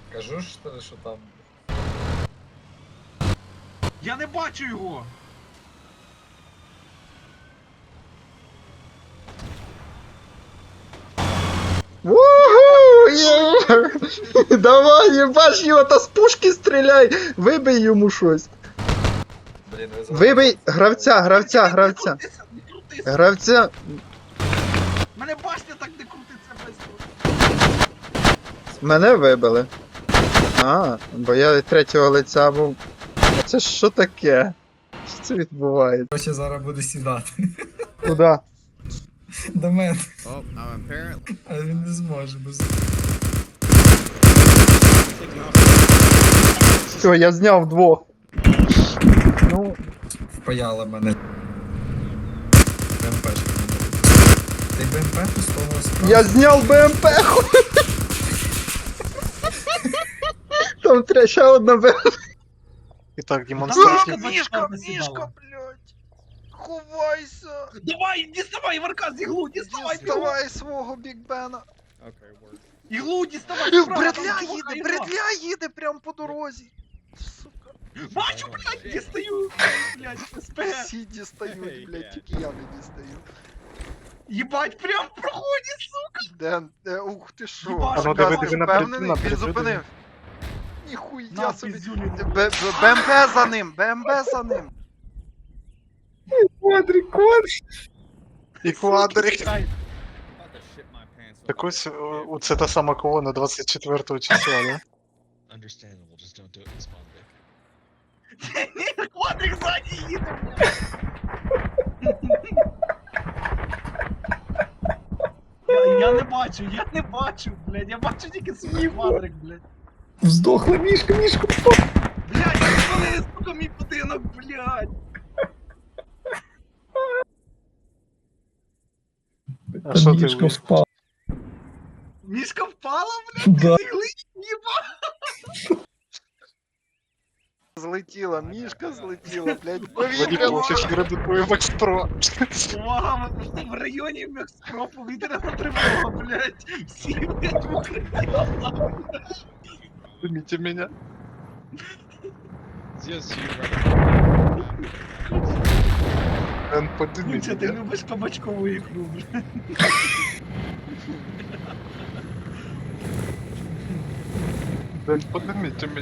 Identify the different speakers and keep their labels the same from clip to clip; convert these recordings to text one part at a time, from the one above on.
Speaker 1: Кажу, що там.
Speaker 2: Я не бачу його!
Speaker 3: Уху! Є! Давай, їбаш його, та з пушки стріляй! Вибий йому щось.
Speaker 1: Блін, ви
Speaker 3: Вибий гравця.
Speaker 2: Не крутися, не крутися!
Speaker 3: Гравця.
Speaker 2: Мене башня так не крутиться быстро!
Speaker 3: Мене вибили. А, бо я від третього лиця був. Це що таке? Що це відбувається?
Speaker 1: Короче, зараз буду сідати.
Speaker 3: Куда?
Speaker 1: До мене.
Speaker 4: Oh, now apparently
Speaker 1: А він не зможе, бо
Speaker 3: Все, я зняв двох. Ну,
Speaker 1: впаяла мене. БМП. Ти БМП пустого справа?
Speaker 3: я зняв БМП. Там ще одна БМП.
Speaker 5: І так,
Speaker 2: Там
Speaker 5: демонстрація.
Speaker 2: мішка, блядь!
Speaker 5: Ховайся!
Speaker 2: Давай, діставай, Варка, з іглу, діставай!
Speaker 5: Діставай свого Бікбена!
Speaker 4: okay, word.
Speaker 2: Іглу діставай! справа,
Speaker 5: Бредля
Speaker 2: там чувака
Speaker 5: їде,
Speaker 2: ігла.
Speaker 5: бредля їде прямо по дорозі! Сука.
Speaker 2: Бачу, блядь, дістаю! Блядь, СПГ!
Speaker 5: Всі дістають, блядь, тільки я не дістаю.
Speaker 2: Єбать, прям в проході, сука!
Speaker 5: Ден, ух ти шо?
Speaker 2: Їбаш,
Speaker 5: А ну
Speaker 2: диви,
Speaker 5: диви
Speaker 2: диви
Speaker 5: він зупинив. Ніхуя
Speaker 2: На,
Speaker 5: собі.
Speaker 2: піздюлю.
Speaker 5: БМП за ним, БМП за ним.
Speaker 3: Квадрик.
Speaker 5: І квадрик.
Speaker 2: Чекай.
Speaker 4: About to shit my pants.
Speaker 5: Так ось, це та сама колона 24 числа, да?
Speaker 6: Understandable, just don't do it in spawn pick.
Speaker 2: Ні, квадрик ззаді їде, блядь. Я не бачу, блядь, я бачу тільки свій квадрик, блядь.
Speaker 3: Здохла мішка.
Speaker 2: Блядь, я спалили, сука, мій будинок, блядь.
Speaker 5: А що ти вийшов?
Speaker 3: впала.
Speaker 2: Мішка впала, блядь,
Speaker 3: Да.
Speaker 2: ти зігли, єба.
Speaker 5: Злетіла, мішка злетіла, блядь,
Speaker 2: Повітря.
Speaker 5: повітря передукує Макс Про.
Speaker 2: Увага, в районі Мекспро повітряна тривога, блядь. Всі, блядь, в укриття.
Speaker 5: Помните меня.
Speaker 6: Yes, you right.
Speaker 5: Ден, подыми
Speaker 2: Куча, ти
Speaker 5: меня.
Speaker 2: любиш кабачкову ікру, блядь.
Speaker 5: Ден, поднимите меня.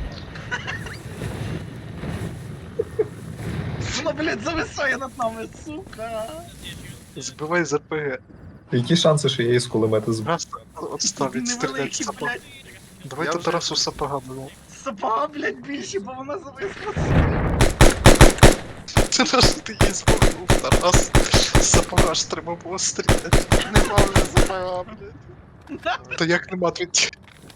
Speaker 2: Вона, блядь, зависає над нами, сука.
Speaker 5: Збивай з РПГ.
Speaker 3: Які шанси, що я із кулемета збив?
Speaker 5: Раз отставить, стрілять
Speaker 2: Невеликі,
Speaker 5: сапог.
Speaker 2: блядь.
Speaker 5: Давайте Тарасу сапога було.
Speaker 2: Сапога, блядь, більше, бо вона зависла.
Speaker 5: Це наш ти її збухнув, Тарас. З сапога ж треба було стріляти. Нема вже сапога, блядь. То як нема твій?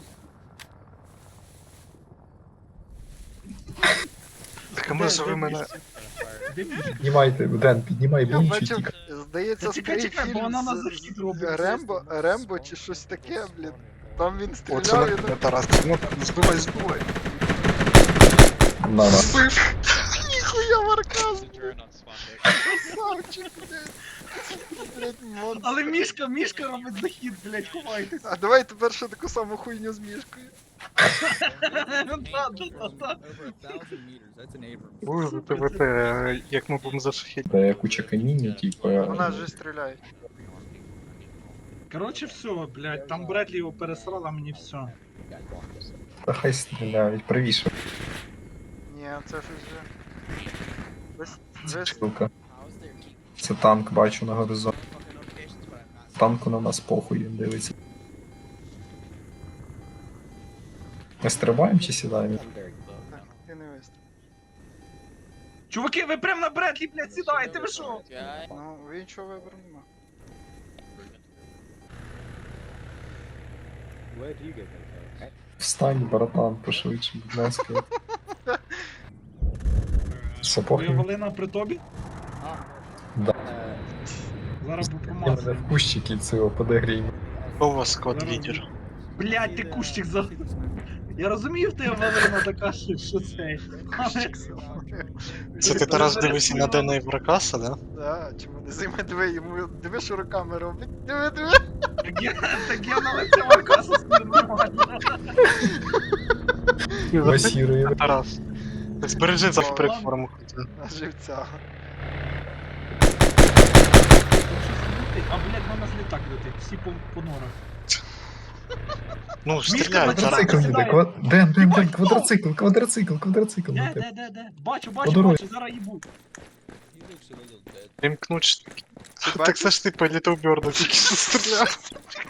Speaker 5: Так а може ви мене...
Speaker 3: Піднімайте, Ден, піднімай
Speaker 5: Я
Speaker 3: блін,
Speaker 5: бачив,
Speaker 3: тільки.
Speaker 5: здається,
Speaker 2: Та чекай,
Speaker 5: старий
Speaker 2: чекай, бо вона
Speaker 5: фільм
Speaker 2: на захід робить.
Speaker 5: Рембо чи щось таке, блін. Там він
Speaker 3: Оце
Speaker 5: стріляв і...
Speaker 3: Тарас.
Speaker 5: Ну, збивай.
Speaker 3: На.
Speaker 5: Збив! Ніхуя Марказ,
Speaker 6: Turn on spawn pick.
Speaker 5: красавчик, блядь. Блядь, монстр.
Speaker 2: Але мішка робить захід, блядь, ховайтесь.
Speaker 5: А давай тепер ще таку саму хуйню з мішкою.
Speaker 2: Да.
Speaker 4: Over 1,000 meters. That's an Abrams.
Speaker 5: Ой, ТВТ, як ми будемо зашахіти.
Speaker 3: Та куча каміння, типу.
Speaker 5: Вона ж стріляє.
Speaker 2: Короче, все, блядь, там Бредлі його пересрала, мені все.
Speaker 3: Та хай стріляють, правіше,
Speaker 5: Ні, це ж вже... Весь...
Speaker 3: штука. Це танк, бачу на горизонті. Танку на нас похуй, він дивиться. Ми стрибаємо чи сідаємо?
Speaker 5: Ти не вистріл.
Speaker 2: Чуваки, ви прям на Бредлі, блядь, сідаєте, ви що?
Speaker 5: Ну, ви нічого вибору нема.
Speaker 3: Встань, братан, пошвидше, будь ласка. Сапог
Speaker 2: Ви Валина при тобі?
Speaker 3: Да.
Speaker 2: Зараз
Speaker 3: Я
Speaker 2: попромазую.
Speaker 3: мене в кущики цього подогріємо.
Speaker 5: Хто у вас код
Speaker 2: Зараз-
Speaker 5: лідер?
Speaker 2: Блядь, ти кущик за... Я розумію, в тебе Валерина така, що це. Але...
Speaker 5: Це ти Тарас дивишся на Дена Івракаса, да?
Speaker 7: Да, чому не займе диви, йому диви, що руками робить. Диви, диви.
Speaker 2: Так я на лице Варкаса нормально.
Speaker 3: Масірує.
Speaker 5: Тарас. Збережи за переформу.
Speaker 7: На живця.
Speaker 2: А, блядь, на нас літак летить, всі по норах.
Speaker 5: Ну, стріляй, Тарас.
Speaker 1: Квадроцикл їде, Ден, квадроцикл.
Speaker 2: Де? Бачу,
Speaker 3: По дорозі.
Speaker 2: зараз їбу.
Speaker 4: He looks a little dead.
Speaker 5: Вимкнуть.
Speaker 7: Ти
Speaker 5: Так
Speaker 7: бачиш?
Speaker 5: це ж ти по Літл Бёрду тільки що стріляв.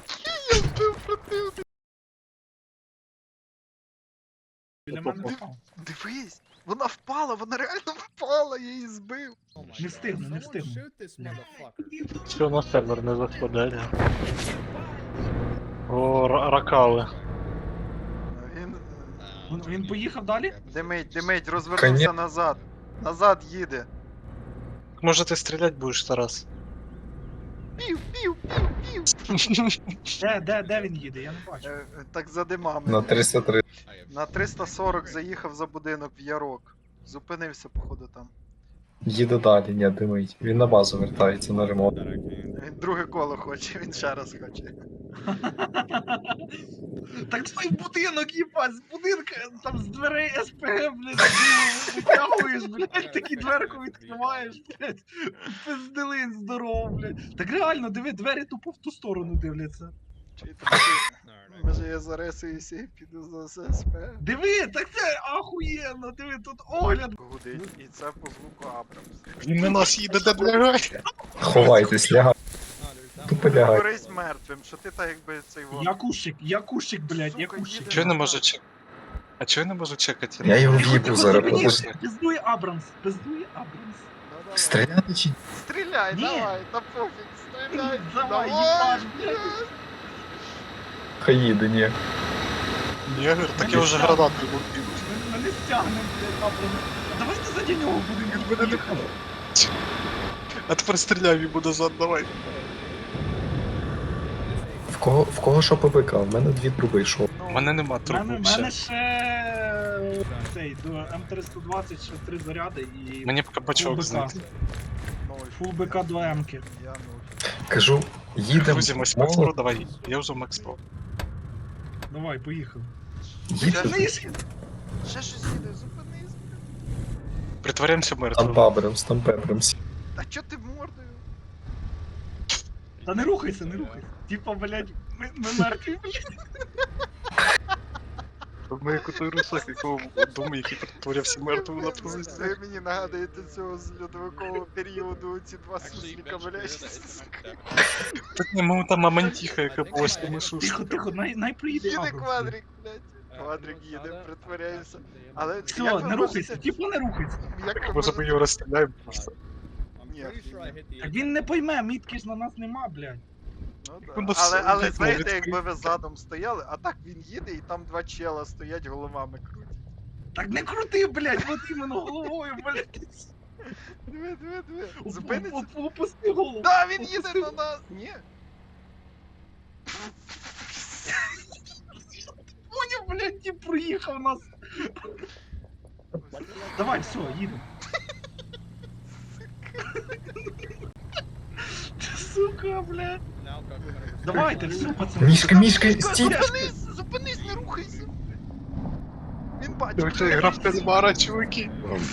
Speaker 2: Біля мене впав.
Speaker 7: Дивись, вона впала, вона реально впала, я її збив.
Speaker 4: Oh my
Speaker 2: Не
Speaker 4: God.
Speaker 2: встигну, не
Speaker 4: Someone
Speaker 2: встигну.
Speaker 4: shoot this motherfucker.
Speaker 5: Все на сервер не заходить. О, ракали.
Speaker 7: Він
Speaker 2: Він поїхав далі?
Speaker 7: димить, розвернувся назад. Назад їде.
Speaker 5: Може ти стріляти будеш, Тарас?
Speaker 7: Пів, пів, пів, пів.
Speaker 2: Де він їде? Я не бачу.
Speaker 7: Так за димами.
Speaker 1: На 303.
Speaker 7: На 340 заїхав за будинок в Ярок. Зупинився, походу, там.
Speaker 1: Їде далі, ні, димить. Він на базу вертається на ремонт.
Speaker 4: That I can.
Speaker 7: Він друге коло хоче, він ще раз хоче.
Speaker 2: Так твій будинок, їбать, з будинка, там з дверей СПГ, блядь, витягуєш, блядь, такі дверку відкриваєш, блядь, пизделин здоров, блядь. Так реально, диви, двері тупо в ту сторону дивляться.
Speaker 7: Чуєте,
Speaker 4: Alright, I
Speaker 7: може я зарисуюся і піду за ССП.
Speaker 2: Диви, так це ахуєнно, диви, тут огляд.
Speaker 7: Гудить, і це по звуку Абрамс.
Speaker 5: Він на нас їде, де лягай.
Speaker 1: Ховайтесь, лягай.
Speaker 4: Oh, there's that
Speaker 1: Тупо
Speaker 4: one.
Speaker 1: лягай.
Speaker 7: Горись мертвим, що ти так якби цей вон.
Speaker 2: Я кущик, блядь, я
Speaker 7: Сука,
Speaker 2: кущик.
Speaker 7: їде.
Speaker 5: Чого я не можу чекати? А чого я не можу чекати?
Speaker 1: Я його в'їбу зараз,
Speaker 2: Ні,
Speaker 1: подожди.
Speaker 2: пиздує Абрамс, пиздує Абрамс.
Speaker 7: Ну, давай.
Speaker 1: Стріляти чи
Speaker 7: Стріляй,
Speaker 2: Ні.
Speaker 7: давай, та пофіг, стріляй.
Speaker 2: Давай, їбаш, блядь.
Speaker 1: хай їде, ні.
Speaker 5: Ні, так я вже гранату був.
Speaker 2: Ми не стягнемо, блядь, Абрамс. Давайте заді нього будемо їхати.
Speaker 5: А тепер стріляй йому назад, давай.
Speaker 1: В кого що ПВК? В мене 2 труби йшов.
Speaker 5: У мене нема
Speaker 2: У
Speaker 5: трубу
Speaker 2: мене
Speaker 5: ще.
Speaker 2: ще цей до М320 ще 3 заряди і
Speaker 5: Мені б капачок
Speaker 2: БК.
Speaker 5: знайти.
Speaker 2: Фул БК до М-ки.
Speaker 7: Я нуль.
Speaker 1: Кажу, їдемо.
Speaker 5: Друзі, Макс Про, давай. Я вже Макс Про.
Speaker 2: Давай, поїхали.
Speaker 1: Їдемо.
Speaker 7: Ще щось їде, зупинись.
Speaker 5: Притворяємося
Speaker 1: Там
Speaker 5: мертвим.
Speaker 1: Абрамс, там Пепрамс.
Speaker 7: Та чо ти мордою?
Speaker 2: Та не рухайся, не рухайся. Типа, блядь, ми мертві, блядь.
Speaker 5: Ми як у той русак, якого думаю, який притворявся мертвим на позиції.
Speaker 7: Ви мені нагадуєте цього з льодовикового періоду, ці два сусліка, блядь.
Speaker 5: Так не, ми там мамонтіха, яка була з тими шушками.
Speaker 2: Тихо, най приїде
Speaker 7: Їде
Speaker 2: Абрамс.
Speaker 7: квадрик, блядь. Квадрик їде, притворяється. Але
Speaker 2: Все,
Speaker 7: як ви
Speaker 2: не рухайся,
Speaker 7: можете-
Speaker 2: типа не рухайся.
Speaker 7: Як ви
Speaker 5: Може ми
Speaker 7: можете...
Speaker 5: його розстріляємо просто.
Speaker 4: I'm
Speaker 7: Yeah.
Speaker 4: pretty sure I hit the
Speaker 2: Так він не пойме, мітки ж на нас нема, блядь.
Speaker 7: Ну, да.
Speaker 5: Ну,
Speaker 7: Але
Speaker 5: блядь,
Speaker 7: знаєте,
Speaker 5: навіть
Speaker 7: якби ви задом стояли, а так він їде і там два чела стоять, головами крутять.
Speaker 2: Так не крути, блядь, от іменно головою, блядь.
Speaker 7: Диви, диви, диви. Зупиниться.
Speaker 2: Опусти голову.
Speaker 7: Да, він їде на нас! Ні.
Speaker 2: Поняв, блядь, тип проїхав нас. Давай, все, їдемо. Сука, блядь.
Speaker 4: now cover 100%.
Speaker 2: Давайте, все, пацани.
Speaker 1: Мішка, стій!
Speaker 7: Зупинись, зупинись, не рухайся. Він бачить.
Speaker 5: Це гра в кальмара, чуваки.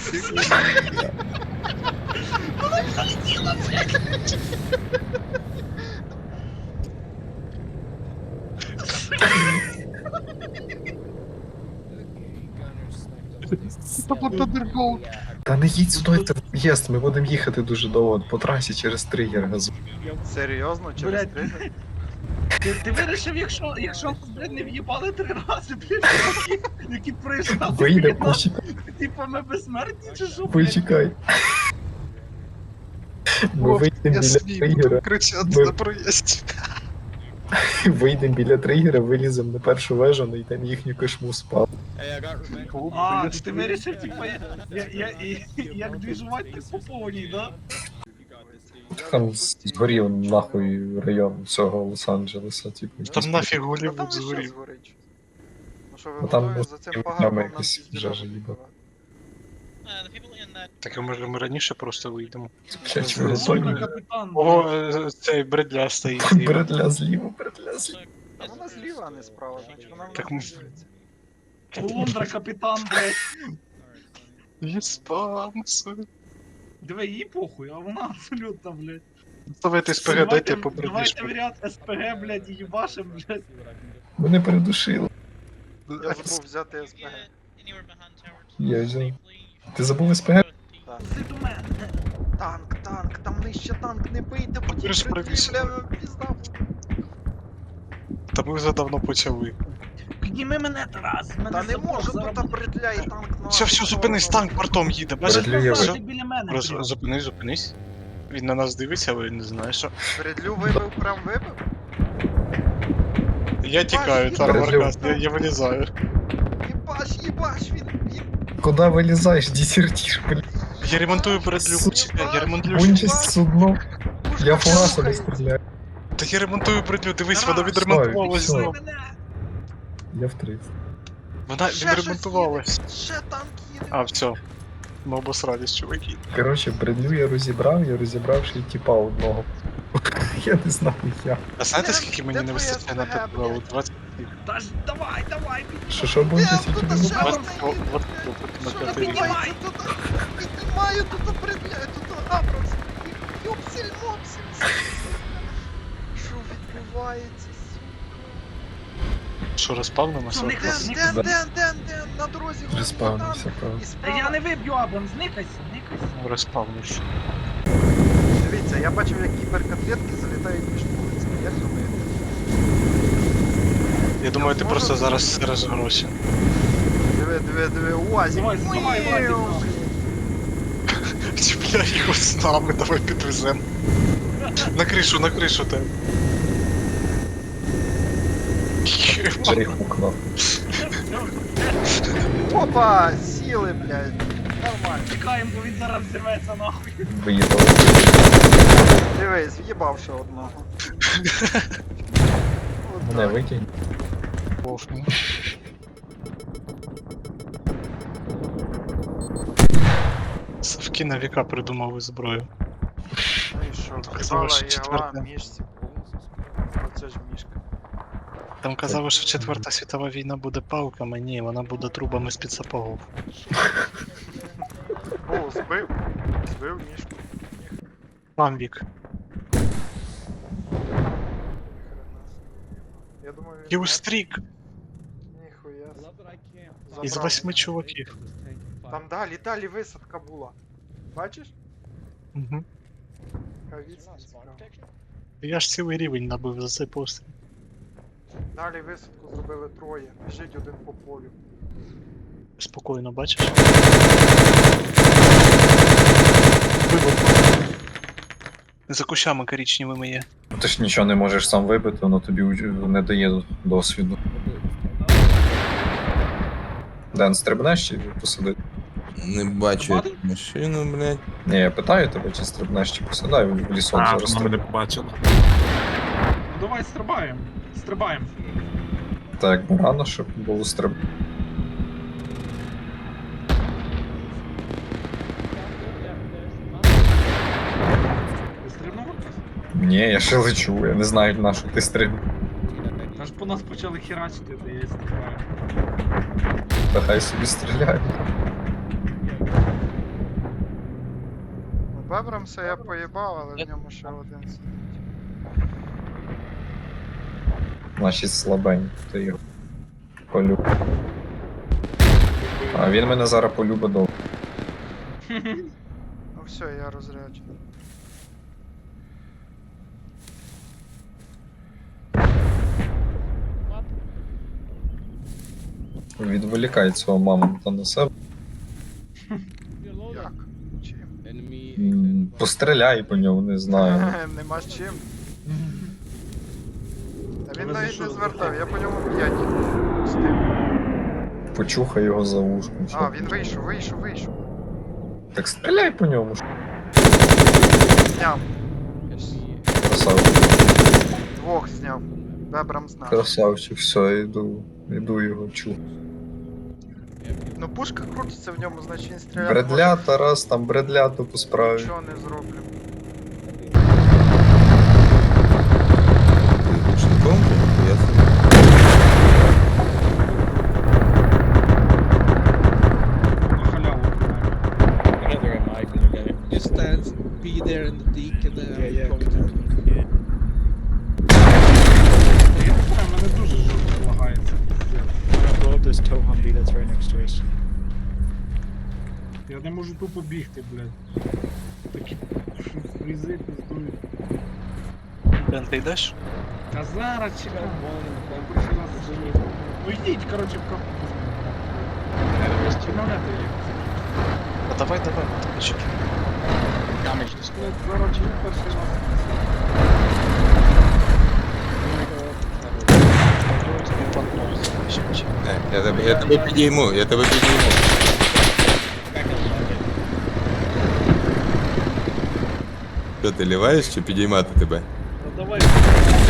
Speaker 1: Та не їдь сюди, це в'їзд, ми будемо їхати дуже довго по трасі через тригер газу.
Speaker 7: Серйозно, через
Speaker 2: Блядь.
Speaker 7: тригер?
Speaker 2: Ти вирішив, якщо нас, блядь, не в'їбали 3 рази, блядь, які прийшли.
Speaker 1: Вийде, почекай,
Speaker 2: Типа ми безсмертні чи що, блядь?
Speaker 1: почекай. Ми вийдемо
Speaker 5: Я
Speaker 1: біля
Speaker 5: свій буду
Speaker 1: тригера,
Speaker 5: кричати
Speaker 1: Ми-
Speaker 5: на проїзді.
Speaker 1: вийдемо біля тригера, виліземо на першу вежу, знайдемо їхню кошму спав.
Speaker 4: Hey, I got revenge.
Speaker 2: А, ти вирішив, типа, як двіжувати по повній, да?
Speaker 4: You got this, dude.
Speaker 1: Там згорів нахуй район всього Лос-Анджелеса, типу.
Speaker 5: Там нафіг
Speaker 7: Та там
Speaker 5: Голлівуд
Speaker 7: і що
Speaker 5: згорів.
Speaker 7: згорить? Ну що ви
Speaker 1: Ну, там
Speaker 7: готові
Speaker 1: ну,
Speaker 7: за цим
Speaker 1: прямо
Speaker 7: пагорбом нам
Speaker 1: якось
Speaker 7: піздіра
Speaker 1: вже їбав.
Speaker 7: вибивати.
Speaker 5: Так, а може ми раніше просто вийдемо?
Speaker 1: Блять, ви
Speaker 2: Стой,
Speaker 1: готові?
Speaker 2: капітан.
Speaker 5: Ого, цей бредля стоїть зліва.
Speaker 1: Бредля зліва, бредля зліва.
Speaker 7: А вона зліва, а не справа, значить вона в
Speaker 5: Так
Speaker 7: нас
Speaker 5: ми-
Speaker 7: дивиться.
Speaker 2: Полундра, капітан, блядь.
Speaker 5: Єспанцу.
Speaker 2: Диви, їй похуй, а вона абсолютно, блядь.
Speaker 5: Давайте СПГ, дайте по
Speaker 2: Давайте
Speaker 5: бредлішку.
Speaker 2: в ряд СПГ, блядь, і їбашим, блядь.
Speaker 1: Мене передушили.
Speaker 7: Я забув взяти СПГ.
Speaker 1: Я взяв. Ти забув СПГ?
Speaker 2: Зайди до мене.
Speaker 7: Танк, там нижче танк, не бийте, потім
Speaker 5: Ти ж правіше.
Speaker 7: бля, пізда.
Speaker 5: Та ми вже давно почали.
Speaker 2: Підніми мене, Тарас, мене
Speaker 7: Та не
Speaker 2: сапог
Speaker 7: можу,
Speaker 2: зараз
Speaker 7: тут
Speaker 2: буде.
Speaker 7: бредля і танк на...
Speaker 5: Все, зупинись, танк бортом їде, бачиш?
Speaker 1: Бредлю я
Speaker 2: Назад,
Speaker 1: ви-
Speaker 2: ти біля мене. прям.
Speaker 5: Зупинись. Він на нас дивиться, але не знає, що.
Speaker 7: Бредлю вибив, прям вибив?
Speaker 5: Я тікаю,
Speaker 7: Бачиш,
Speaker 5: Тармаркас, я вилізаю.
Speaker 7: Їбаш, він...
Speaker 1: Куда вилізаєш, десертиш, блядь?
Speaker 5: Я ремонтую бредлю, почекай, я ремонтую.
Speaker 1: Участь судно. Я фугасом
Speaker 7: слухай.
Speaker 1: стріляю.
Speaker 5: Та я ремонтую бредлю, дивись, вона
Speaker 2: Тарас,
Speaker 5: відремонтувалась
Speaker 1: все.
Speaker 5: знову.
Speaker 2: Мене.
Speaker 1: Я в 30.
Speaker 5: Вона
Speaker 7: Ще щось
Speaker 5: відремонтувалась.
Speaker 7: їде, ще танк їде.
Speaker 5: А, все. Ми обосрались, чуваки.
Speaker 1: Коротше, бредлю я розібрав ще й тіпа одного. Я не знаю як.
Speaker 5: А знаєте,
Speaker 7: Де-
Speaker 5: скільки мені
Speaker 7: де
Speaker 5: не
Speaker 7: твоя
Speaker 5: вистачає на
Speaker 7: СПГ,
Speaker 5: підвалу?
Speaker 7: блядь?
Speaker 5: 20.
Speaker 2: Та ж давай, підніми.
Speaker 1: Що буде,
Speaker 7: Де
Speaker 1: тільки
Speaker 7: тут
Speaker 1: не
Speaker 7: ще
Speaker 1: знаю.
Speaker 7: одна
Speaker 5: Вот,
Speaker 7: їде,
Speaker 5: вот,
Speaker 7: блядь?
Speaker 5: вот на
Speaker 7: Що
Speaker 5: п'ятий рік.
Speaker 7: піднімається тут? Піднімаю тут, бредля, тут Абрамс. Юпсель, мопсель. Що відбувається, сука?
Speaker 5: Що, розпавнимося?
Speaker 2: Що, Никас,
Speaker 7: Ден, на дорозі.
Speaker 1: Респавнився, правда.
Speaker 2: Та я не виб'ю Абрам, зникайся.
Speaker 5: Розпавнився.
Speaker 7: Дивіться, я бачив, як кіберкотлетки залітають між вулицями. Як думаєте?
Speaker 5: Я думаю, ти
Speaker 7: можу
Speaker 5: просто зараз
Speaker 7: зробити?
Speaker 5: сириш гроші.
Speaker 7: Диви, УАЗик.
Speaker 2: Давай, давай, Владик,
Speaker 7: Міу.
Speaker 2: нахуй.
Speaker 5: Чіпляй його з нами, давай підвезем. На кришу тебе.
Speaker 1: Перехукнув.
Speaker 7: Опа, сіли, блядь. Нормально.
Speaker 2: Чекаємо, бо він зараз взірветься нахуй.
Speaker 1: Виїдав.
Speaker 7: Дивись, в'їбав ще одного. От
Speaker 1: Мене
Speaker 7: так.
Speaker 1: викинь.
Speaker 5: Савки на віка придумали зброю.
Speaker 7: Ну і що,
Speaker 5: Казали,
Speaker 7: в'їбала
Speaker 5: що
Speaker 7: ігла
Speaker 5: четверта.
Speaker 7: мішці. Оце ж мішка.
Speaker 5: Там казали, що Четверта світова війна буде палками, ні, вона буде трубами з-під сапогов.
Speaker 7: О, збив. Збив мішку.
Speaker 5: Мам вік.
Speaker 7: Я думаю, він...
Speaker 5: Кілстрік
Speaker 7: Ніхуя.
Speaker 5: із
Speaker 7: Забрав.
Speaker 5: 8 чуваків.
Speaker 7: Там далі висадка була. Бачиш?
Speaker 5: Угу.
Speaker 7: Яка відстань цікава.
Speaker 5: Я ж цілий рівень набив за цей постріл.
Speaker 7: Далі висадку зробили троє. Біжить один по полю.
Speaker 5: Спокійно, бачиш? Вибух. За кущами коричневими є.
Speaker 1: Ти ж нічого не можеш сам вибити, воно тобі не дає досвіду. Ден, стрибнеш чи посади?
Speaker 8: Не бачу
Speaker 2: Бати?
Speaker 8: як машину, блядь.
Speaker 1: Ні, я питаю тебе, чи стрибнеш, чи посадай в лісок зараз стрибне.
Speaker 8: побачила.
Speaker 2: Ну давай стрибаємо. Стрибаємо.
Speaker 1: Так, якби рано, щоб було стриб.
Speaker 2: Ти стрибнув?
Speaker 1: Ні, я ще лечу, я не знаю, на що ти стрибнеш.
Speaker 2: Аж по нас почали херачити, то я і стрибаю.
Speaker 1: Та хай собі стріляє.
Speaker 7: Бебрамса я поїбав, але в ньому ще один сидить.
Speaker 1: Значить слабень, ти його полюб. А він мене зараз полюбить довго.
Speaker 7: Ну все, я розряджений.
Speaker 1: Відволікай цього мамонта на себе.
Speaker 7: Як? Чим?
Speaker 1: Постріляй по ньому, не знаю.
Speaker 7: Нема з чим. Та він
Speaker 2: Але за
Speaker 7: навіть
Speaker 2: що?
Speaker 7: не звертав, я по ньому 5 пустив.
Speaker 1: Почухай його за вушком.
Speaker 7: А,
Speaker 1: що.
Speaker 7: він вийшов.
Speaker 1: Так стріляй по ньому.
Speaker 7: Зняв.
Speaker 1: Красавчик.
Speaker 7: Двох зняв. Вебрам знає.
Speaker 1: Красавчик, все, іду його чу.
Speaker 7: Ну пушка крутиться в ньому, значить він стріляє.
Speaker 1: Бредля, Тарас, там бредля то по справі.
Speaker 7: Нічого не зроблю.
Speaker 8: Ти ручником? Я собі.
Speaker 2: На халяву.
Speaker 4: Together in life and together.
Speaker 6: Just be there in the deek and
Speaker 2: Я не знаю, мене дуже жорстко лагається.
Speaker 4: Blow up this tow Humvee that's right next to us.
Speaker 2: Я не можу тупо бігти, блядь. Такі фрізи пиздують.
Speaker 5: Бен, ти йдеш?
Speaker 2: Та зараз чекай. Я перший раз живу. Ну йдіть, коротше, в капу. Чи мене ти є?
Speaker 5: А давай, ти чекай.
Speaker 2: Блядь, зараз чи перший раз.
Speaker 5: Тобі пантрон залишить.
Speaker 8: Я тебе підійму, я тебе підійму. Що ти ліваєш чи підіймати тебе?
Speaker 2: Ну давай.